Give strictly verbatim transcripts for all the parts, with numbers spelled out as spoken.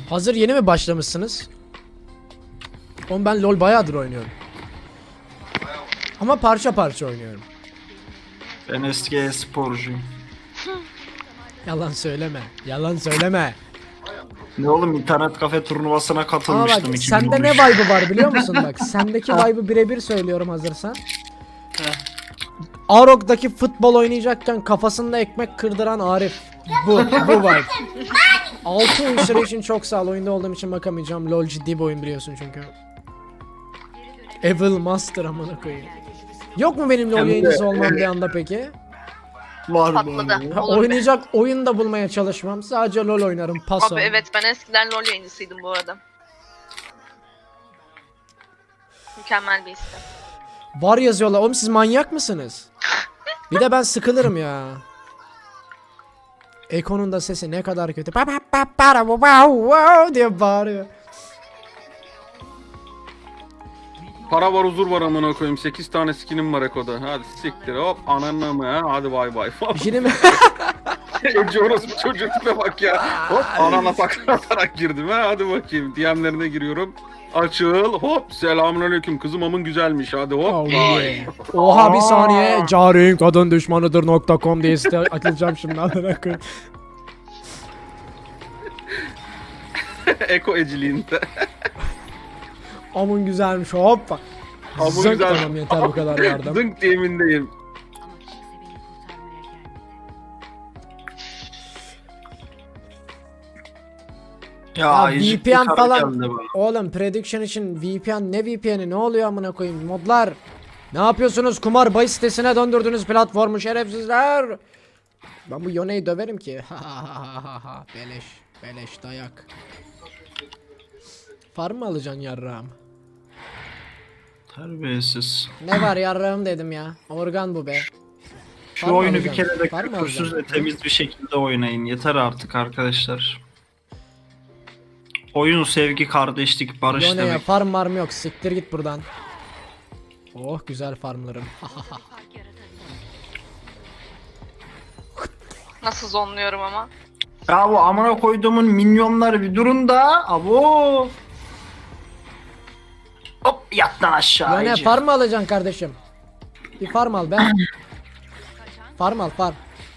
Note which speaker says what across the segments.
Speaker 1: Hazır yeni mi başlamışsınız? Oğlum ben LoL bayağıdır oynuyorum. Ama parça parça oynuyorum.
Speaker 2: Ben eski e-sporcuyum.
Speaker 1: Yalan söyleme. Yalan söyleme.
Speaker 2: Ne oğlum, internet kafe turnuvasına
Speaker 1: Ama
Speaker 2: katılmıştım
Speaker 1: bak
Speaker 2: iki bin on üç.
Speaker 1: sende ne vibe'ı var biliyor musun bak. Sendeki vibe'ı birebir söylüyorum hazırsan. Arok'taki futbol oynayacakken kafasında ekmek kırdıran Arif. Bu, bu vibe. Altı oyuncuları için çok sağ ol. Oyunda olduğum için bakamayacağım. LoL ciddi bir oyun biliyorsun çünkü. Evil Master amına koyayım. Yok mu benim LoL
Speaker 2: Hem de-
Speaker 1: yayıncısı olmam bir anda peki?
Speaker 2: Var mı?
Speaker 3: Patladı.
Speaker 1: Ha,
Speaker 3: Olur be.
Speaker 1: oynayacak oyun da bulmaya çalışmam. Sadece LoL oynarım. Paso.
Speaker 3: Abi evet, ben eskiden LoL yayıncısıydım bu arada. Mükemmel bir istem.
Speaker 1: Var yazıyorlar. Oğlum siz manyak mısınız? Bir de ben sıkılırım ya. Eko'nun da sesi ne kadar kötü. Pa pa pa para wow wow diye bağırıyor.
Speaker 4: Para var, huzur var amına koyayım. sekiz tane skinim var Eko'da. Hadi siktir hop ananı mı ha? Hadi bay bay.
Speaker 1: Bir şey diyeyim mi?
Speaker 4: Ece orası çocuğu tipe bak ya. Hop anana takla atarak girdim ha. Hadi bakayım. D M'lerine giriyorum. Açıl hop selamünaleyküm kızım amın güzelmiş hadi hop.
Speaker 1: Oh,
Speaker 4: Vay.
Speaker 1: yeah. Oha bir saniye. Carin kadın düşmanıdır nokta com diye site açılacağım şimdi. Amına koyayım.
Speaker 4: Eko eciliğinde.
Speaker 1: Amın güzelmiş hoppa.
Speaker 4: Amın
Speaker 1: Zınk,
Speaker 4: güzel.
Speaker 1: tamam yeter bu kadar yardım.
Speaker 4: Zınk diye emindeyim.
Speaker 2: Ya,
Speaker 1: Ya
Speaker 2: ayıcık
Speaker 1: V P N
Speaker 2: bir karı
Speaker 1: falan.
Speaker 2: geldi bana.
Speaker 1: Oğlum prediction için V P N ne V P N'i ne oluyor amına koyayım modlar. Ne yapıyorsunuz kumar bahis sitesine döndürdünüz platformu şerefsizler. Ben bu Yone'yi döverim ki. Ha ha ha ha beleş beleş dayak. Farm mı alacaksın yarrağım?
Speaker 2: Terbiyesiz.
Speaker 1: Ne var yarrağım dedim ya. Organ bu be.
Speaker 2: Şu
Speaker 1: Var mı
Speaker 2: oyunu bir
Speaker 1: alacaksın?
Speaker 2: kere de
Speaker 1: Var mı
Speaker 2: küfürsüz ve
Speaker 1: alacaksın?
Speaker 2: temiz bir şekilde oynayın. Yeter artık arkadaşlar. Oyun sevgi, kardeşlik, barış
Speaker 1: Yone'ye
Speaker 2: demek.
Speaker 1: farm marm yok siktir git buradan. Oh güzel farmlarım.
Speaker 3: Nasıl zonluyorum ama.
Speaker 2: Ya bu amına koyduğumun minyonları bir durun da. Abo. Hop yat lan aşağı.
Speaker 1: Yone
Speaker 2: ayıcık.
Speaker 1: farm mı alacaksın kardeşim? Bir farm al be. Farm al farm.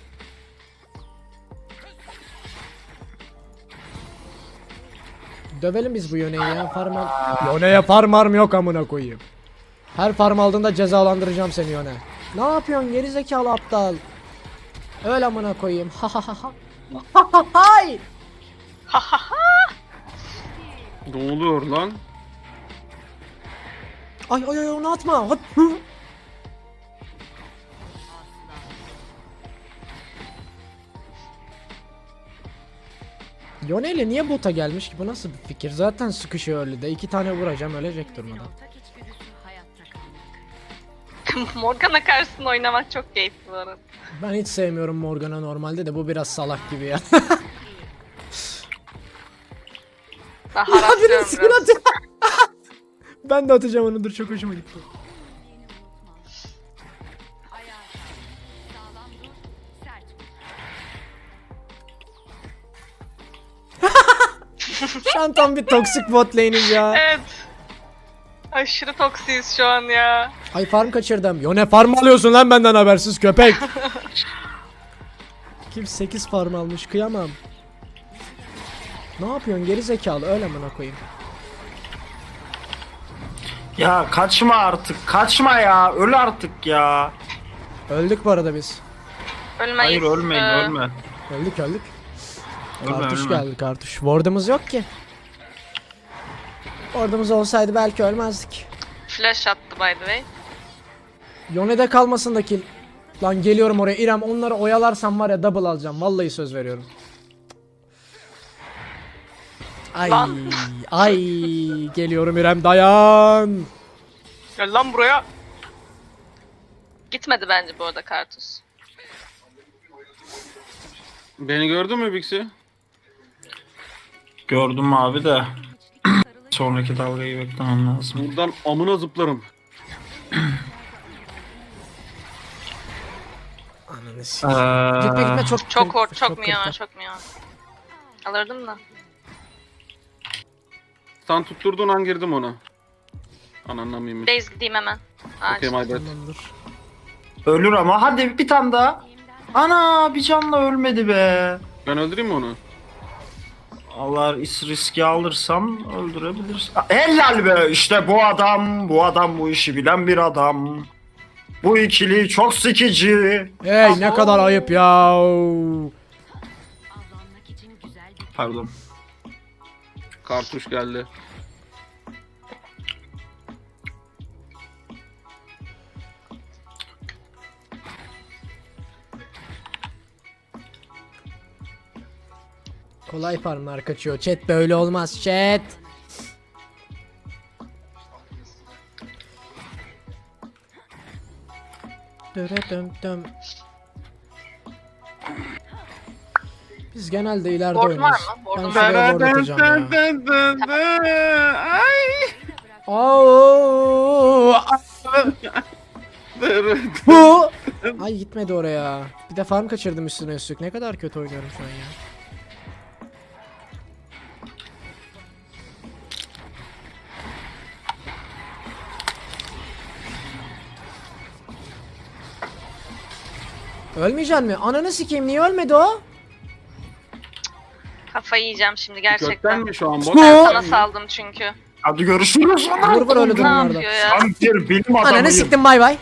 Speaker 1: Dövelim biz bu Yone'yi ya farm al. Yone'ye farm arm yok amına koyayım. Her farm aldığında cezalandıracağım seni Yone. Ne yapıyorsun geri zekalı aptal? Öyle amına koyayım. Ha ha ha ha. Ha ha hay.
Speaker 4: Ne oluyor lan?
Speaker 1: Ay ay ay onu atma. Hop. Hı. Yone'yle niye bota gelmiş ki? Bu nasıl bir fikir? Zaten sıkışıyor öyle de. İki tane vuracağım ölecek durmadan.
Speaker 3: Morgana karşısında oynamak çok keyifli bu arada.
Speaker 1: Ben hiç sevmiyorum Morgana normalde de bu biraz salak gibi ya.
Speaker 3: Ben
Speaker 1: Ya biri
Speaker 3: haraplıyorum
Speaker 1: skin
Speaker 3: biraz.
Speaker 1: atıyor. Ben de atacağım onu dur çok hoşuma gitti. Şu an tam bir toksik bot lane'iz ya.
Speaker 3: Evet. Aşırı toksiyiz şu an ya.
Speaker 1: Ay farm kaçırdım. Yo ne farm alıyorsun lan benden habersiz köpek. Kim sekiz farm almış kıyamam. Ne yapıyorsun geri zekalı öyle amına koyayım.
Speaker 2: Ya kaçma artık. Kaçma ya. Öl artık ya.
Speaker 1: Öldük bu arada biz.
Speaker 3: Ölmeyiz.
Speaker 2: Hayır ölmeyin
Speaker 3: Ee,
Speaker 2: ölme.
Speaker 1: Öldük öldük.
Speaker 2: Ölme,
Speaker 1: Kartuş
Speaker 2: ölme.
Speaker 1: geldi kartuş. Ward'ımız yok ki. Ward'ımız olsaydı belki ölmezdik.
Speaker 3: Flash attı by the way.
Speaker 1: Yone'de kalmasın da kill. Lan geliyorum oraya İrem onları oyalarsam var ya double alacağım. Vallahi söz veriyorum. Ay
Speaker 3: Lan.
Speaker 1: ay geliyorum İrem dayan.
Speaker 3: Gel lan buraya. Gitmedi bence bu arada Kartus.
Speaker 4: Beni gördün mü Bixi?
Speaker 2: Gördüm abi de. Sonraki dalgayı beklemem lazım.
Speaker 4: Buradan amına zıplarım.
Speaker 1: Ananı sikeyim. Gitme
Speaker 2: Eee,
Speaker 1: gitme çok
Speaker 3: Çok or, çok
Speaker 1: kırk,
Speaker 3: mu ya,
Speaker 1: kırk.
Speaker 3: çok mu ya. Alırdım da.
Speaker 4: Sen tutturduğun an girdim ona. Ananlamayayım.
Speaker 3: Base gideyim hemen.
Speaker 4: Okay,
Speaker 3: Acil.
Speaker 4: my bad.
Speaker 1: Tamamdır.
Speaker 2: Ölür ama hadi bir tane daha. Ana bir canla ölmedi be.
Speaker 4: Ben öldüreyim mi onu?
Speaker 2: Allah riski alırsam öldürebilirsin. Helal be işte bu adam. Bu adam bu işi bilen bir adam. Bu ikili çok sıkıcı.
Speaker 1: Hey ne kadar ayıp ya.
Speaker 2: Pardon.
Speaker 4: Kartuş geldi.
Speaker 1: Kolay farmlar kaçıyor. Chat böyle olmaz chat. Dırıdım dım. Biz genelde ileride
Speaker 3: Board var
Speaker 1: oynarız.
Speaker 3: mı? Board
Speaker 1: Ben
Speaker 3: var.
Speaker 1: şuraya board atacağım ya.
Speaker 4: Ay.
Speaker 1: Au! Bu. Ay gitmedi oraya. Bir de farm kaçırdım üstüne üstlük. Ne kadar kötü oynuyorum şu an ya. Ölmeyecek mi? Ananı sikeyim niye ölmedi o?
Speaker 3: Kafayı yiyeceğim şimdi
Speaker 4: Gökten
Speaker 3: gerçekten.
Speaker 4: mi şu an bot?
Speaker 1: Bu-
Speaker 3: Sana saldım çünkü.
Speaker 2: Hadi görüşürüz.
Speaker 1: Vur vur öyle
Speaker 3: Ne
Speaker 1: durumlarda.
Speaker 3: yapıyor ya?
Speaker 2: Sen bir bilim
Speaker 1: Ananı
Speaker 2: adamıyım.
Speaker 1: siktim bay bay.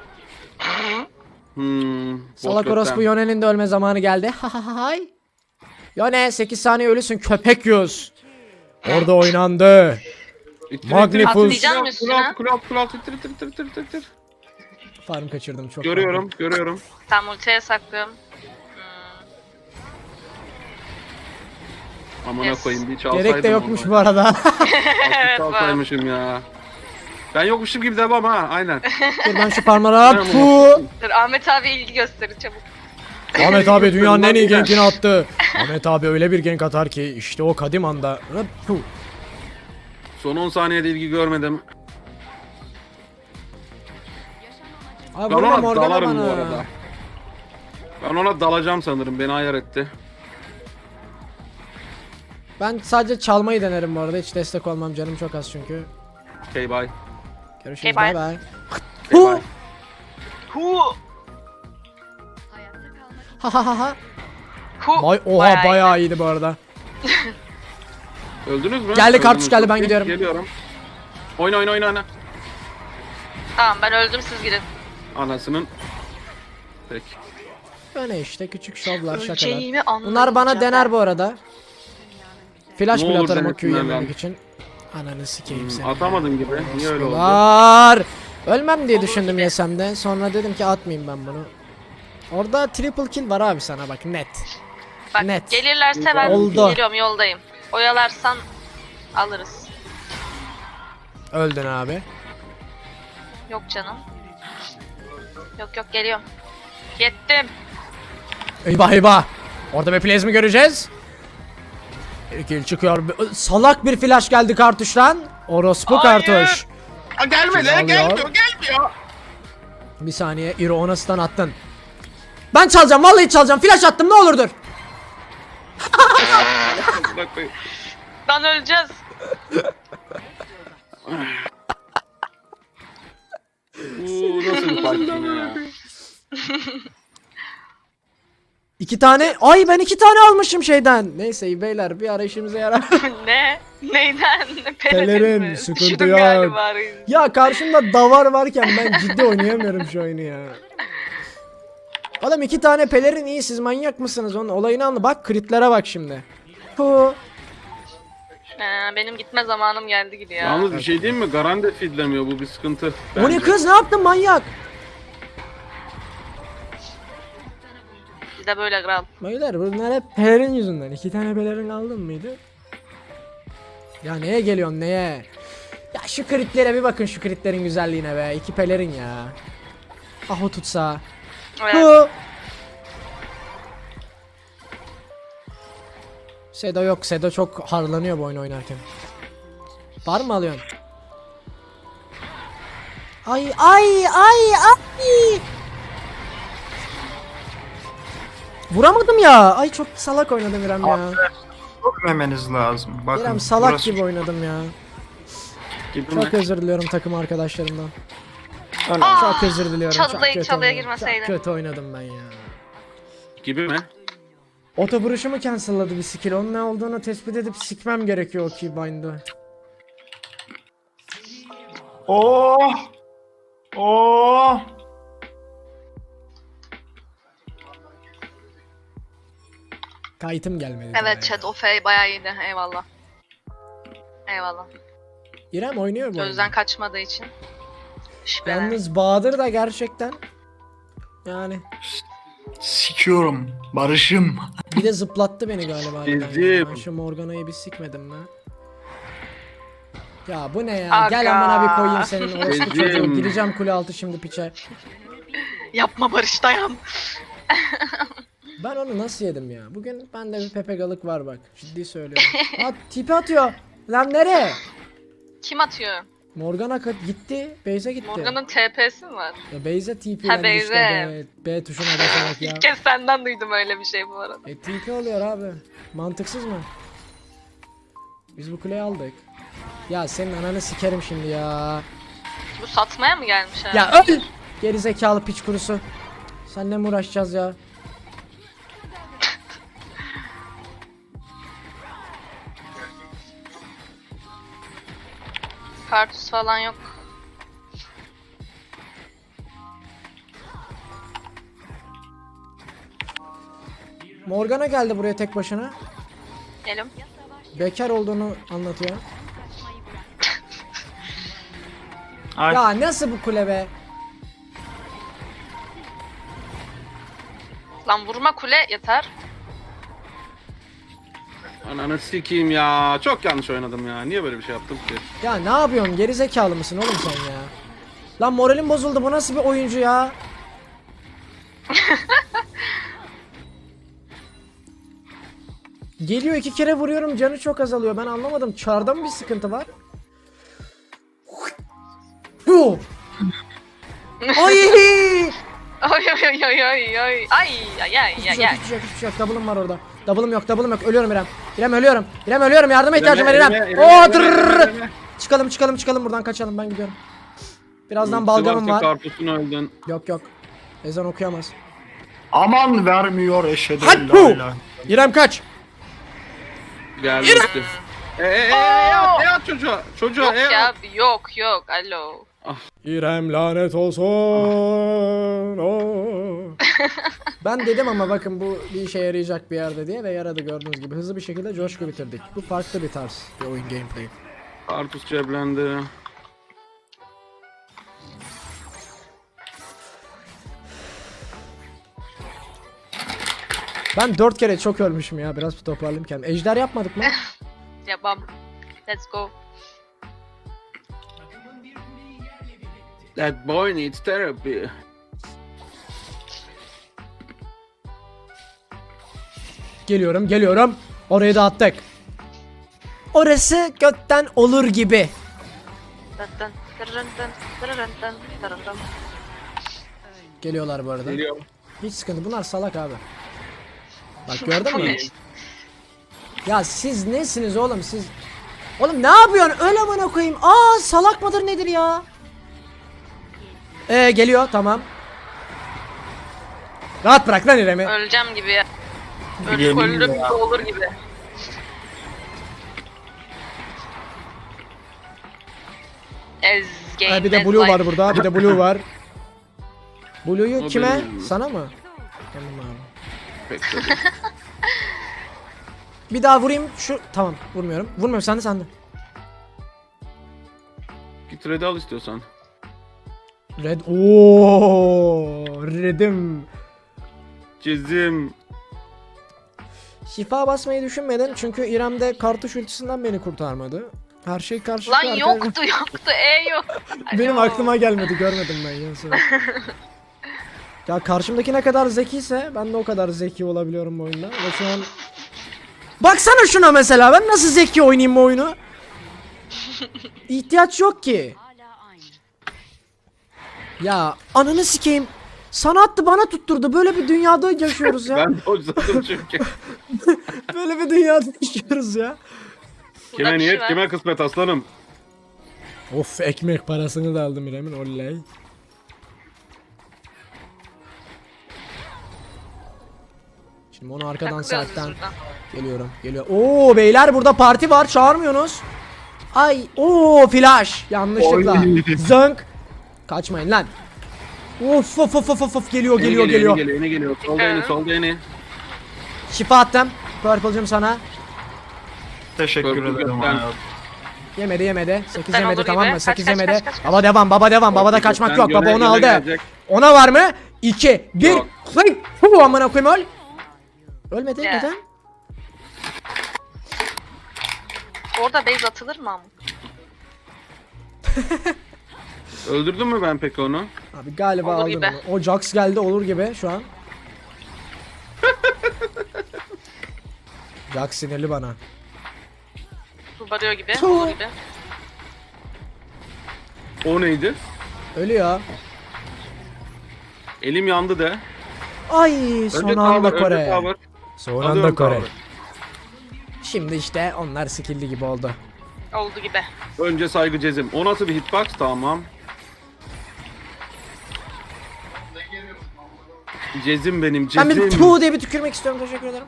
Speaker 4: Hmm, bot
Speaker 1: Salak
Speaker 4: gökten.
Speaker 1: orospu Yone'nin de ölme zamanı geldi. Ha ha ha hay. Yone sekiz saniye ölüsün köpek yüz. Orada oynandı.
Speaker 4: İttir,
Speaker 1: Magnifus.
Speaker 4: ittir, ittir.
Speaker 3: Atlayacağım üstüne.
Speaker 4: Kulağı kulağı kulağı ittir ittir ittir ittir ittir, ittir.
Speaker 1: Farm kaçırdım çok.
Speaker 4: Görüyorum görüyorum.
Speaker 3: Tam ultiye saklıyorum.
Speaker 4: Amına
Speaker 3: Yes.
Speaker 4: koyayım bir çalsaydım.
Speaker 1: Gerek de yokmuş
Speaker 4: onu.
Speaker 1: bu arada.
Speaker 3: Evet,
Speaker 4: Çalsaymışım ya. Ben yokmuşum gibi devam ha aynen.
Speaker 1: Dur ben şu farmlara
Speaker 4: Ben
Speaker 1: pu.
Speaker 3: Dur Ahmet abi ilgi gösterir çabuk.
Speaker 1: Ahmet abi dünyanın en iyi gankini attı. Ahmet abi öyle bir gank atar ki işte o kadim anda. Pu.
Speaker 4: Son on saniyede ilgi görmedim.
Speaker 1: Abi
Speaker 4: Ben
Speaker 1: vurma
Speaker 4: ona
Speaker 1: Morgana
Speaker 4: dalarım bu
Speaker 1: bana.
Speaker 4: arada. Ben ona dalacağım sanırım beni ayar etti.
Speaker 1: Ben sadece çalmayı denerim bu arada hiç destek olmam canım çok az çünkü.
Speaker 4: Okay bye.
Speaker 1: Görüşürüz
Speaker 3: Okay,
Speaker 1: bay
Speaker 3: bye.
Speaker 1: bay.
Speaker 4: Okay,
Speaker 1: Hu.
Speaker 4: bye.
Speaker 3: Hu.
Speaker 1: Ha ha ha ha.
Speaker 3: Hu.
Speaker 1: Vay oha
Speaker 3: Bayağı iyi.
Speaker 1: bayağı iyiydi bu arada.
Speaker 4: Öldünüz mü?
Speaker 1: Geldi, kartuş
Speaker 4: Öldünüz.
Speaker 1: geldi, ben
Speaker 4: Okey,
Speaker 1: gidiyorum.
Speaker 4: Geliyorum. Oyna oyna oyna oyna.
Speaker 3: Tamam ben öldüm siz gidin.
Speaker 4: Anasının. Peki.
Speaker 1: Böyle işte küçük şovlar şakalar.
Speaker 3: Öleceğimi
Speaker 1: Bunlar bana
Speaker 3: anlayacağım.
Speaker 1: dener bu arada. Flash
Speaker 4: Ne
Speaker 1: bile
Speaker 4: olur
Speaker 1: atarım o
Speaker 4: denesinler
Speaker 1: Q'yu yememek
Speaker 4: lan.
Speaker 1: için. Ananı sikeyim
Speaker 4: Hmm,
Speaker 1: seni.
Speaker 4: atamadın gibi. Niye öyle oldu?
Speaker 1: Var. Ölmem diye düşündüm yesem de. Sonra dedim ki atmayayım ben bunu. Orada triple kill var abi sana bak net.
Speaker 3: Bak
Speaker 1: Net.
Speaker 3: gelirlerse ben
Speaker 1: Oldu.
Speaker 3: geliyorum yoldayım. Oyalarsan alırız.
Speaker 1: Öldün abi.
Speaker 3: Yok canım. Yok yok geliyorum. Yettim.
Speaker 1: Eyvah eyvah. Orada bir plays mi göreceğiz? Bir kill çıkıyor. Salak bir flash geldi kartuştan. Orospu
Speaker 3: Hayır.
Speaker 1: kartuş.
Speaker 4: Aa, gelmedi
Speaker 1: Kim
Speaker 4: gelmiyor
Speaker 1: alıyor?
Speaker 4: gelmiyor.
Speaker 1: Bir saniye Iro ona stun attın. Ben çalacağım vallahi çalacağım. Flash attım ne olur dur.
Speaker 4: Bırak koyayım.
Speaker 3: Lan öleceğiz.
Speaker 4: Uuu nasıl bir fight yine ya.
Speaker 1: İki tane. Ay ben iki tane almışım şeyden. Neyse beyler bir ara işimize yarar.
Speaker 3: Ne? Neyden?
Speaker 1: Pelerin,
Speaker 3: Pelerin mi?
Speaker 1: sıkıntı
Speaker 3: Düşürdüm
Speaker 1: yok.
Speaker 3: galiba reis.
Speaker 1: Ya karşımda davar varken ben ciddi oynayamıyorum şu oyunu ya. Oğlum iki tane pelerin iyi siz manyak mısınız onun olayını anla. Bak kritlere bak şimdi. Hu.
Speaker 3: Ee, benim gitme zamanım geldi gibi ya.
Speaker 4: Yalnız bir şey diyeyim mi? Garande feedlemiyor bu bir sıkıntı.
Speaker 1: O ne
Speaker 4: bence.
Speaker 1: kız ne yaptın manyak?
Speaker 3: Bir de böyle kral.
Speaker 1: Beyler bunlar hep pelerin yüzünden. İki tane pelerin aldın mıydı? Ya neye geliyorsun neye? Ya şu kritlere bir bakın şu kritlerin güzelliğine be. İki pelerin ya. Ah o tutsa.
Speaker 3: Evet.
Speaker 1: Hu. Sedo yok. Sedo çok harlanıyor bu oyunu oynarken. Var mı alıyorsun? Ay ay ay ay. Vuramadım ya. Ay çok salak oynadım İrem ya.
Speaker 2: Görmemeniz lazım. Bakın.
Speaker 1: İrem salak
Speaker 2: burası
Speaker 1: gibi oynadım ya.
Speaker 4: Gibi
Speaker 1: Çok
Speaker 4: mi?
Speaker 1: özür diliyorum takım arkadaşlarımdan.
Speaker 2: öyle.
Speaker 3: Aa,
Speaker 1: Çok özür diliyorum. Çok
Speaker 3: çalıya-
Speaker 1: kötü
Speaker 3: çalıya
Speaker 1: oynadım.
Speaker 3: girmeseydi.
Speaker 1: Çok kötü oynadım ben ya.
Speaker 4: Gibi mi?
Speaker 1: Oto vuruşumu cancelladı bir skill. Onun ne olduğunu tespit edip sikmem gerekiyor o keybind'ı.
Speaker 2: Oh! Oh!
Speaker 1: Kayıtım gelmedi. daha
Speaker 3: Evet
Speaker 1: ya.
Speaker 3: chat o F bayağı iyiydi. Eyvallah. Eyvallah.
Speaker 1: İrem oynuyor bu
Speaker 3: Gözden
Speaker 1: oyunu.
Speaker 3: kaçmadığı için. Şüphelen.
Speaker 1: Yalnız Bahadır da gerçekten yani
Speaker 2: Sikiyorum. Barış'ım.
Speaker 1: bir de zıplattı beni galiba.
Speaker 4: Ezdim.
Speaker 1: Ben şu Morgana'yı bir sikmedim mi? Ya bu ne ya?
Speaker 3: Aga.
Speaker 1: Gel amına bir koyayım senin orospu
Speaker 4: Ezdim.
Speaker 1: çocuğu. Gireceğim kule altı şimdi piçe.
Speaker 3: Yapma Barış dayan.
Speaker 1: Ben onu nasıl yedim ya? Bugün bende bir pepegalık var bak. Ciddi söylüyorum. Ha tipi atıyor. Lan nereye?
Speaker 3: Kim atıyor?
Speaker 1: Morgana ka- gitti. Beyze gitti.
Speaker 3: Morgan'ın T P'si mi var?
Speaker 1: Ya Beyze T P'lendi
Speaker 3: Ha,
Speaker 1: işte
Speaker 3: Beyze.
Speaker 1: B, B tuşuna basarak ya.
Speaker 3: İlk kez senden duydum öyle bir şey bu arada.
Speaker 1: E T P oluyor abi. Mantıksız mı? Biz bu kuleyi aldık. Ya senin ananı sikerim şimdi ya.
Speaker 3: Bu satmaya mı gelmiş ha?
Speaker 1: Ya öl! Geri zekalı piç kurusu. Seninle mi uğraşacağız ya?
Speaker 3: Kartus falan yok.
Speaker 1: Morgana geldi buraya tek başına.
Speaker 3: Gelim.
Speaker 1: Bekar olduğunu anlatıyor.
Speaker 2: Ay.
Speaker 1: Ya nasıl bu kule be?
Speaker 3: Lan vurma kule yeter.
Speaker 4: Ananı sikeyim ya. Çok yanlış oynadım ya. Niye böyle bir şey yaptım ki?
Speaker 1: Ya ne yapıyorsun? Geri zekalı mısın oğlum sen ya? Lan moralim bozuldu. Bu nasıl bir oyuncu ya? Geliyor iki kere vuruyorum canı çok azalıyor. Ben anlamadım. Çarda mı bir sıkıntı var? Yuh! Ay!
Speaker 3: Oy oy oy oy oy oy. Ay ay ay
Speaker 1: Hiçbir
Speaker 3: ay
Speaker 1: şey yok,
Speaker 3: ay.
Speaker 1: hiçbir şey yok, hiçbir şey yok. Double'ım var orada. Double'ım yok, double'ım yok. Ölüyorum İrem. İrem ölüyorum. İrem ölüyorum. Yardıma ihtiyacım var İrem.
Speaker 4: Eleme,
Speaker 1: Oo,
Speaker 4: eleme,
Speaker 1: tırrrr.
Speaker 4: eleme, eleme.
Speaker 1: Çıkalım, çıkalım, çıkalım buradan kaçalım. Ben gidiyorum. Birazdan
Speaker 4: Ultisi
Speaker 1: balgamım
Speaker 4: varsa
Speaker 1: var.
Speaker 4: Karpuzun öldün.
Speaker 1: Yok yok. Ezan okuyamaz.
Speaker 2: Aman vermiyor eşhedü en
Speaker 1: Hadi
Speaker 2: la
Speaker 1: bu!
Speaker 2: ilahe.
Speaker 1: İrem kaç.
Speaker 4: Geldi işte. E e e e at, e at çocuğa. Çocuğa
Speaker 3: Yok
Speaker 4: e
Speaker 3: ya
Speaker 4: at.
Speaker 3: yok yok alo.
Speaker 1: İrem lanet olsun. Oo. Ben dedim ama bakın bu bir işe yarayacak bir yerde diye ve yaradı gördüğünüz gibi. Hızlı bir şekilde coşku bitirdik. Bu farklı bir tarz bir oyun gameplay.
Speaker 4: Karpuz ceblendi.
Speaker 1: Ben dört kere çok ölmüşüm ya. Biraz bir toparlayayım kendimi. Ejder yapmadık mı?
Speaker 3: Yapam. Let's go.
Speaker 4: That boy needs therapy.
Speaker 1: Geliyorum, geliyorum. Orayı da attık. Orası götten olur gibi.
Speaker 3: Dın dın, dırırın dın, dırırın dın, dırırın dın.
Speaker 1: Geliyorlar bu arada.
Speaker 4: Geliyor.
Speaker 1: Hiç sıkıntı. Bunlar salak abi. Bak gördün mü? Ya siz nesiniz oğlum siz? Oğlum ne yapıyorsun? Öyle amına koyayım. Aa salak mıdır nedir ya? Ee geliyor tamam. Rahat bırak lan İrem'i.
Speaker 3: Öleceğim gibi ya. Öldüm
Speaker 2: Yemin
Speaker 3: öldüm
Speaker 2: ya.
Speaker 3: gibi olur gibi. Ez game.
Speaker 1: Ha, bir de
Speaker 3: ez
Speaker 1: Blue
Speaker 3: life.
Speaker 1: var burada. Bir de Blue var. Blue'yu
Speaker 4: O
Speaker 1: kime?
Speaker 4: benim.
Speaker 1: Sana mı? Tamam abi.
Speaker 4: Pek de değil.
Speaker 1: Bir daha vurayım. Şu tamam vurmuyorum. Vurmuyorum sen de sen de.
Speaker 4: Git red'i al istiyorsan.
Speaker 1: Red. Oo, Red'im.
Speaker 4: Çizim.
Speaker 1: Şifa basmayı düşünmedim çünkü İrem'de kartuş ultisinden beni kurtarmadı. Her şey karşı.
Speaker 3: Lan yoktu yoktu E yok.
Speaker 1: Benim
Speaker 3: Alo.
Speaker 1: aklıma gelmedi görmedim ben ya. sonra. Ya karşımdaki ne kadar zekiyse ben de o kadar zeki olabiliyorum bu oyunda. Ve şu an baksana şuna mesela ben nasıl zeki oynayayım bu oyunu? İhtiyaç yok ki. Ya ananı sikeyim. Sana attı bana tutturdu. Böyle bir dünyada yaşıyoruz ya.
Speaker 4: Ben dojladım çünkü.
Speaker 1: Böyle bir dünyada yaşıyoruz ya.
Speaker 3: Burada
Speaker 4: Kime
Speaker 3: bir şey
Speaker 4: niyet
Speaker 3: var.
Speaker 4: kime kısmet aslanım.
Speaker 1: Of, ekmek parasını da aldım İrem'in, oley. Şimdi onu arkadan
Speaker 3: Takılıyoruz biz
Speaker 1: saatten
Speaker 3: burada.
Speaker 1: geliyorum. Geliyor. Oo beyler, burada parti var, çağırmıyorsunuz. Ay, oo flash yanlışlıkla.
Speaker 2: Oy.
Speaker 1: Zönk. Kaçmayın lan. Of of of of of geliyor geliyor
Speaker 4: Eni
Speaker 1: geliyor.
Speaker 4: Eni geliyor, eni geliyor. Solda eni, solda eni.
Speaker 1: Şifa attım. Purple'cım sana.
Speaker 2: Teşekkür
Speaker 4: Korktum
Speaker 2: ederim
Speaker 4: ben.
Speaker 2: hayatım.
Speaker 1: Yemedi yemedi. sekiz
Speaker 3: Ben
Speaker 1: yemedi,
Speaker 3: olur
Speaker 1: tamam
Speaker 3: gibi.
Speaker 1: mı?
Speaker 3: Kaç,
Speaker 1: sekiz
Speaker 3: kaç,
Speaker 1: yemedi.
Speaker 3: kaç, kaç, kaç.
Speaker 1: Baba devam, baba devam. Babada
Speaker 4: Korktum
Speaker 1: kaçmak
Speaker 4: ben.
Speaker 1: yok. Baba
Speaker 4: Yöne-
Speaker 1: onu
Speaker 4: yöne
Speaker 1: aldı.
Speaker 4: gelecek.
Speaker 1: Ona var mı? iki, bir.
Speaker 4: Yok.
Speaker 1: Hıy! Hu, amına koyayım, öl. Ölmedi,
Speaker 3: Ya.
Speaker 1: neden?
Speaker 3: Orada base atılır mı ama?
Speaker 4: Öldürdün mü ben peki onu?
Speaker 1: Abi galiba
Speaker 3: Olur
Speaker 1: aldım
Speaker 3: gibi.
Speaker 1: onu. O Jax geldi, olur gibi şu an. Jax sinirli bana.
Speaker 3: Barıyor gibi,
Speaker 1: Tuh.
Speaker 3: olur gibi.
Speaker 4: O neydi?
Speaker 1: Ölüyor.
Speaker 4: Elim yandı de.
Speaker 1: Ay,
Speaker 4: Önce
Speaker 1: son anda
Speaker 4: tower, önce
Speaker 1: Kore.
Speaker 4: tower.
Speaker 1: Son
Speaker 4: Alıyorum
Speaker 1: anda Kore.
Speaker 4: tower.
Speaker 1: Şimdi işte onlar skill'li gibi oldu.
Speaker 3: Oldu gibi.
Speaker 4: Önce saygı cezim. O nasıl bir hitbox? Tamam. Cezim benim,
Speaker 1: Ben bir
Speaker 4: cezim.
Speaker 1: tu diye bir tükürmek istiyorum, teşekkür ederim.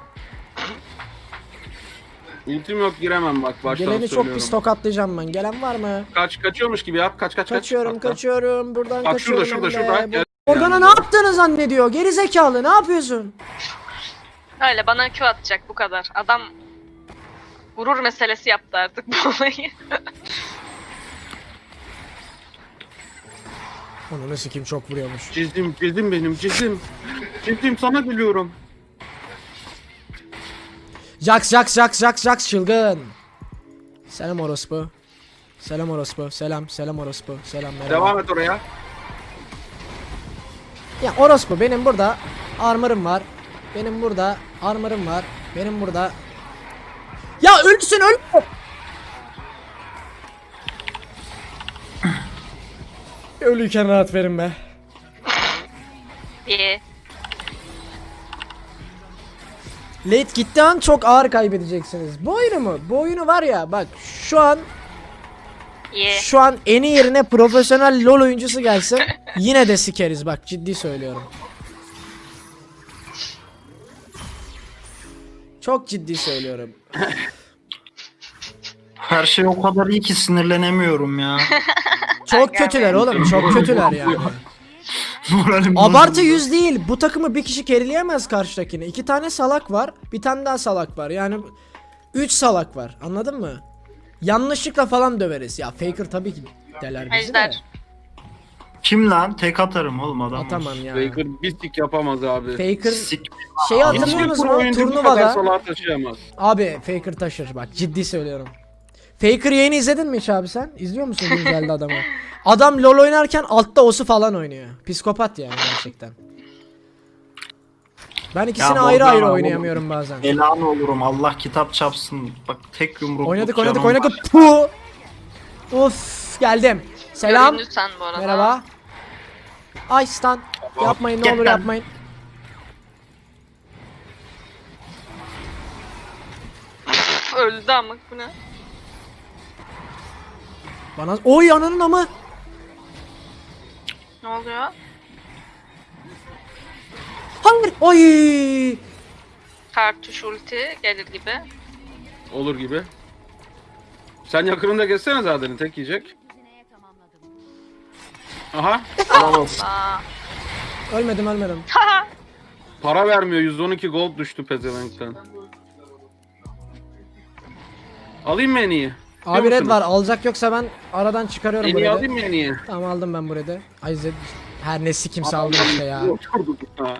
Speaker 4: Ultim yok, giremem bak baştan
Speaker 1: Geleni
Speaker 4: söylüyorum.
Speaker 1: çok pis tokatlayacağım ben. Gelen var mı?
Speaker 4: Kaç, kaçıyormuş gibi yap. Kaç kaç kaç.
Speaker 1: Kaçıyorum,
Speaker 4: Hatta.
Speaker 1: kaçıyorum. Buradan
Speaker 4: Bak
Speaker 1: kaçıyorum.
Speaker 4: şurada, şurada,
Speaker 1: hem
Speaker 4: şurada.
Speaker 1: de.
Speaker 4: Gel.
Speaker 1: Organa
Speaker 4: Yani.
Speaker 1: ne yaptığını zannediyor? Geri zekalı, ne yapıyorsun?
Speaker 3: Öyle bana Q atacak bu kadar. Adam gurur meselesi yaptı artık bu olayı.
Speaker 1: Onu sikim, çok vuruyormuş.
Speaker 4: Cezim, cezim benim, cezim. Cezim sana gülüyorum.
Speaker 1: Jax, Jax, Jax, Jax, Jax çılgın. Selam orospu. Selam orospu. Selam, selam orospu. Selam, merhaba.
Speaker 4: Devam et oraya.
Speaker 1: Ya orospu, benim burada armor'ım var. Benim burada armor'ım var. Benim burada. Ya ölsün, öl. Ölüyken rahat verin be.
Speaker 3: İyi.
Speaker 1: Late gitti an çok ağır kaybedeceksiniz. Bu oyunu mu? Bu oyunu var ya, bak şu an
Speaker 3: İyi.
Speaker 1: şu an eni yerine profesyonel LoL oyuncusu gelsin yine de sikeriz, bak ciddi söylüyorum. Çok ciddi söylüyorum.
Speaker 2: Her şey o kadar iyi ki sinirlenemiyorum ya.
Speaker 1: Çok kötüler oğlum, çok kötüler yani.
Speaker 2: Moralim
Speaker 1: Abartı
Speaker 2: bozuldu.
Speaker 1: yüz değil. Bu takımı bir kişi kerileyemez karşıdakine. İki tane salak var. Bir tane daha salak var. Yani üç salak var. Anladın mı? Yanlışlıkla falan döveriz. Ya Faker tabii ki deler bizi de.
Speaker 3: Ejder.
Speaker 2: Kim lan? Tek atarım oğlum adam.
Speaker 1: Atamam ya.
Speaker 4: Faker bir sik yapamaz abi.
Speaker 1: Faker
Speaker 2: Sik.
Speaker 1: şeyi
Speaker 2: Hiçbir
Speaker 1: hatırlıyor
Speaker 4: Hiçbir
Speaker 1: musun?
Speaker 4: oyuncu bu kadar
Speaker 1: Turnuvada.
Speaker 4: salağa taşıyamaz.
Speaker 1: Abi Faker taşır, bak ciddi söylüyorum. Faker yayını izledin mi hiç abi sen? İzliyor musun güncelde adamı? Adam LoL oynarken altta osu falan oynuyor. Psikopat yani gerçekten. Ben ikisini
Speaker 2: Ya
Speaker 1: ayrı
Speaker 2: Bozdan
Speaker 1: ayrı
Speaker 2: abi,
Speaker 1: oynayamıyorum bazen.
Speaker 2: Elan olurum, Allah kitap çapsın. Bak tek yumruk.
Speaker 1: Oynadık
Speaker 2: canım
Speaker 1: oynadık
Speaker 2: var.
Speaker 1: oynadık. Puh. Of, geldim. Selam.
Speaker 3: Göründü sen bu arada.
Speaker 1: Merhaba. Ay stun. Yapmayın, ne
Speaker 2: Gel
Speaker 1: olur
Speaker 2: lan.
Speaker 1: yapmayın.
Speaker 3: Üf, öldü ama bu ne?
Speaker 1: Bana oy ananın amı.
Speaker 3: Ne oluyor?
Speaker 1: Hayır. Oy.
Speaker 3: Kartuş ulti gelir gibi.
Speaker 4: Olur gibi. Sen yakınında geçsene zaten tek yiyecek. Aha.
Speaker 2: Helal olsun.
Speaker 3: Aa.
Speaker 1: Ölmedim ölmedim.
Speaker 4: Para vermiyor, yüz on iki gold düştü pezevenkten. Alayım mı en iyi?
Speaker 1: Abi red var, alacak yoksa ben aradan çıkarıyorum
Speaker 4: En
Speaker 1: bu
Speaker 4: iyi
Speaker 1: red'i.
Speaker 4: alayım mı en iyi?
Speaker 1: Tamam aldım ben bu red'i. Ay Zed. Her ne sikimse aldım işte ya.
Speaker 4: Oturduk ha.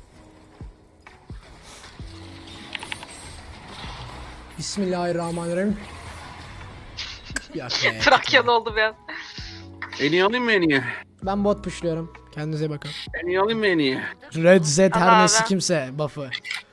Speaker 1: Bismillahirrahmanirrahim. Yok be.
Speaker 3: Trakyalı oldu biraz.
Speaker 4: En iyi alayım mı en iyi?
Speaker 1: Ben bot pushluyorum. Kendinize bakın.
Speaker 4: En iyi alayım mı en iyi?
Speaker 1: Red Z her
Speaker 3: Abi.
Speaker 1: ne sikimse buff'ı.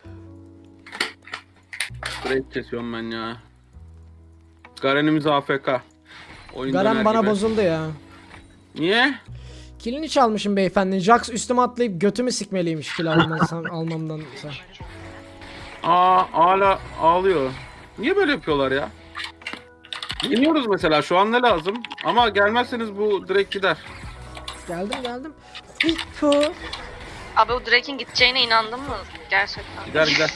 Speaker 4: Straight kesiyorum ben ya. Garen'imiz A F K. Oyun
Speaker 1: Garen
Speaker 4: döner
Speaker 1: bana
Speaker 4: gibi.
Speaker 1: bozuldu ya.
Speaker 4: Niye?
Speaker 1: Kilini çalmışım beyefendi. Jax üstüme atlayıp götümü sikmeliymiş kill almamdan, almamdan.
Speaker 4: Aa hala ağlıyor. Niye böyle yapıyorlar ya? İniyoruz mesela şu an ne lazım? Ama gelmezseniz bu direkt gider.
Speaker 1: Geldim geldim. Hippo.
Speaker 3: Abi o Drake'in gideceğine inandın mı? Gerçekten.
Speaker 4: Gider gider.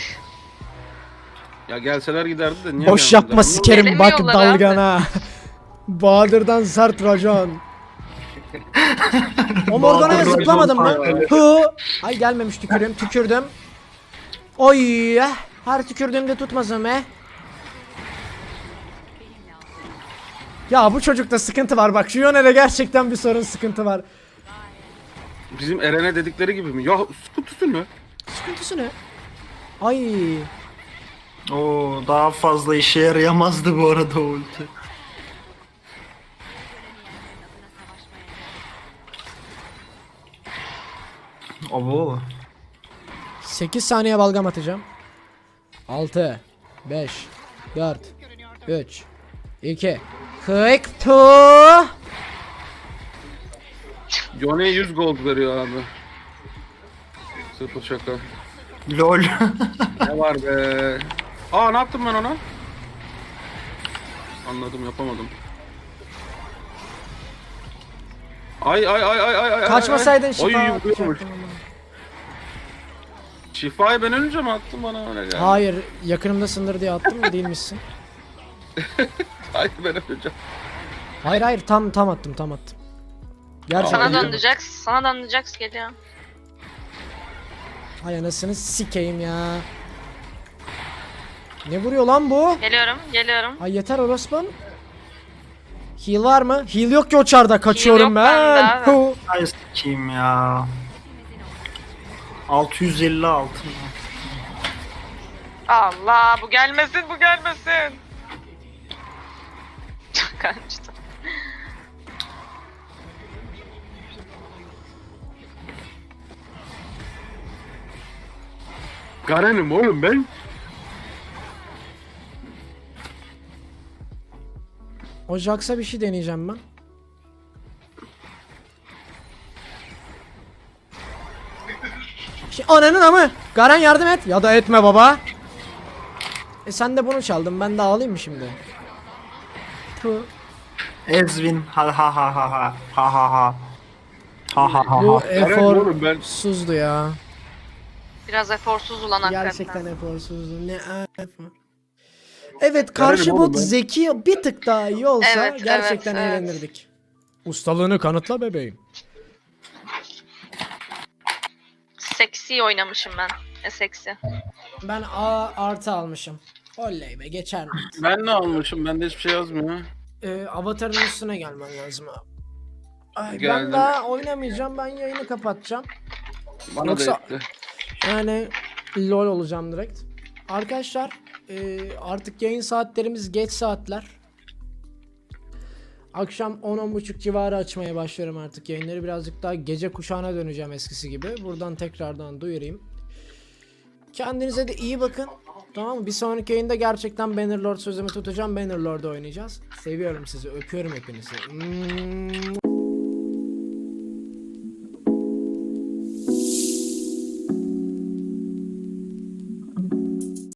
Speaker 4: Ya gelseler giderdi de niye
Speaker 1: Boş
Speaker 4: gelmediler?
Speaker 1: yapma
Speaker 4: Bunu-
Speaker 1: sikerim bak
Speaker 3: Gelemiyorlar abi.
Speaker 1: dalgana. Bahadır'dan sert racon. O Morgana'ya
Speaker 2: Bahadır
Speaker 1: zıplamadım
Speaker 2: racon
Speaker 1: mı?
Speaker 2: sayesinde.
Speaker 1: Hı. Ay gelmemiş tükürüğüm tükürdüm. Oy. Her tükürdüğümde tutmasın be. Ya bu çocukta sıkıntı var bak şu Yone'de gerçekten bir sorun sıkıntı var.
Speaker 4: Bizim Eren'e dedikleri gibi mi? Ya sıkıntısı ne?
Speaker 1: Sıkıntısı ne? Ay.
Speaker 2: Oo, daha fazla işe yarayamazdı bu arada o ulti. Abo.
Speaker 1: sekiz saniye balgam atacağım. altı, beş, dört, üç, iki, kırk, tu.
Speaker 4: Yone'ye yüz gold veriyor abi. Sıfır şaka.
Speaker 2: Lol.
Speaker 4: Ne var be? Aa ne yaptım ben ona? Anladım yapamadım. Ay ay ay ay ay ay.
Speaker 1: Kaçmasaydın
Speaker 4: ay.
Speaker 1: şifa
Speaker 4: Oy,
Speaker 1: atacaktım
Speaker 4: vuruyormuş.
Speaker 1: ama.
Speaker 4: Şifayı ben ölünce mi attın bana öyle geldi?
Speaker 1: Hayır, yakınımdasındır diye attım mı değilmişsin.
Speaker 4: Hayır ben öleceğim.
Speaker 1: Hayır hayır tam tam attım tam attım. Gerçekten.
Speaker 3: Sana
Speaker 4: Geliyor mu?
Speaker 3: döndü Jax. Sana döndü Jax geliyor.
Speaker 1: Hay anasını sikeyim ya. Ne vuruyor lan bu?
Speaker 3: Geliyorum, geliyorum.
Speaker 1: Ay yeter orospun. Heal var mı? Heal yok ki o çarda kaçıyorum
Speaker 3: yok
Speaker 1: ben.
Speaker 3: bende abi.
Speaker 1: Hu.
Speaker 2: Ay sikeyim ya. altı yüz elli altı.
Speaker 3: Allah bu gelmesin, bu gelmesin. Kaçtı.
Speaker 4: Garen'im oğlum ben.
Speaker 1: O Jax'a bir şey deneyeceğim ben. Şey, ananın amı. Garen yardım et. Ya da etme baba. E sen de bunu çaldın. Ben de ağlayayım mı şimdi? Tu.
Speaker 2: Ezvin ha ha ha ha ha ha ha ha ha ha ha
Speaker 1: Bu
Speaker 2: ha.
Speaker 4: Garen oğlum ben.
Speaker 1: eforsuzdu ya.
Speaker 3: Biraz eforsuz ulan hakikaten.
Speaker 1: Gerçekten eforsuzdu. Ne efor. Evet karşı
Speaker 4: oğlum
Speaker 1: bot
Speaker 4: ben.
Speaker 1: zeki bir tık daha iyi olsa
Speaker 3: Evet,
Speaker 1: gerçekten
Speaker 3: evet, evet.
Speaker 1: eğlenirdik. Ustalığını kanıtla bebeğim.
Speaker 3: Seksi oynamışım ben. E seksi.
Speaker 1: Ben A artı almışım. Oley be geçer mi?
Speaker 4: Ben ne almışım? Bende hiçbir şey yazmıyor.
Speaker 1: Ee, avatarın üstüne gelmen lazım abi. Ay, ben
Speaker 4: Geldim.
Speaker 1: daha oynamayacağım. Ben yayını kapatacağım.
Speaker 4: Bana
Speaker 1: Yoksa-
Speaker 4: da etti.
Speaker 1: Yani lol olacağım direkt. Arkadaşlar e, artık yayın saatlerimiz geç saatler. Akşam on on buçuk civarı açmaya başlıyorum artık yayınları. Birazcık daha gece kuşağına döneceğim eskisi gibi. Buradan tekrardan duyurayım. Kendinize de iyi bakın. Tamam mı? Bir sonraki yayında gerçekten Bannerlord sözümü tutacağım. Bannerlord'da oynayacağız. Seviyorum sizi. Öpüyorum hepinizi. Hmm.